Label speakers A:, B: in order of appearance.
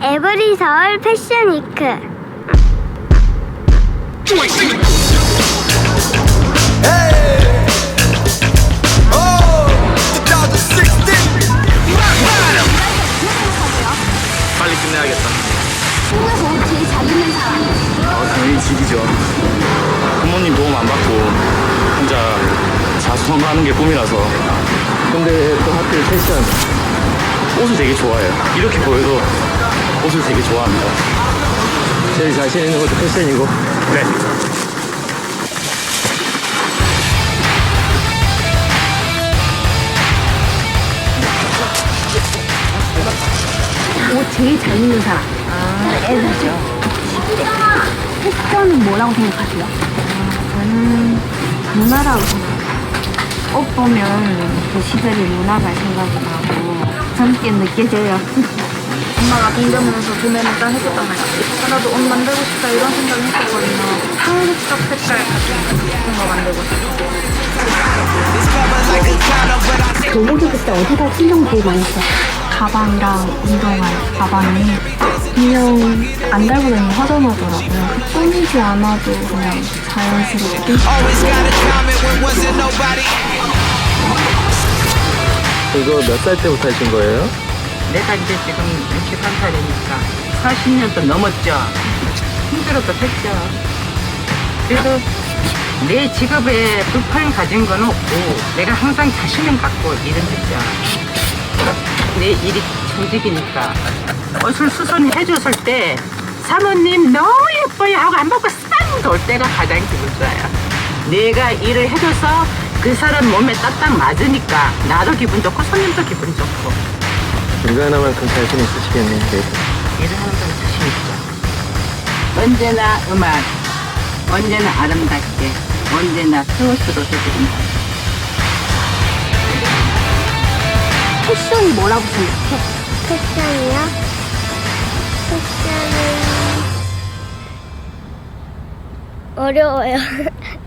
A: 에브리 서울 패션 위크.
B: 빨리 끝내야겠다.
A: 한국에서 제일 잘 입는 사람.
B: 당연히 집이죠. 부모님 도움 안 받고 혼자 자수성가하는 게 꿈이라서. 근데 또 하필 패션. 옷을 되게 좋아해요. 이렇게 보여도 옷을 되게 좋아합니다. 제일 자신 있는 것도 패션이고. 네.
C: 옷 제일 잘 입는 사람. 애들죠. 패션은 뭐라고 생각하세요?
D: 저는 문화라고 생각해요. 옷 보면 그 시절의 문화가 생각이 나고 젊게 느껴져요.
C: 엄마가 동대문에서 구매를 딱 해줬단 말이야. 나도 옷 만들고 싶다 이런 생각을 했었거든요. 한국적 색깔 같은 거 만들고 싶어.
D: 교복이 그때 어디가 신경 제일 많이 써?
C: 가방이랑 운동화 가방이 그냥 안 달고 다니면 허전하더라고요. 꾸미지 않아도 그냥 자연스럽게.
B: 이거 몇 살 때부터 하신 거예요?
E: 내가 이제 지금 61살이니까 40년도 넘었죠. 힘들어도 했죠. 그래도 내 직업에 불판 가진 건 없고 내가 항상 자신을 갖고 일을 했죠. 내 일이 정직이니까 옷을 수선해줬을 때 사모님 너무 예뻐요 하고 안 받고 싹 돌 때가 가장 기분 좋아요. 내가 일을 해줘서 그 사람 몸에 딱딱 맞으니까 나도 기분 좋고 손님도 기분 좋고
B: 이거 하나만큼 자신 있으시겠네요.
E: 일을 하는 건 자신 있죠. 언제나 음악, 언제나 아름답게, 언제나 스스로 해드립니다.
D: 패션이 뭐라고 생각해?
A: 패션이요? 패션은 어려워요.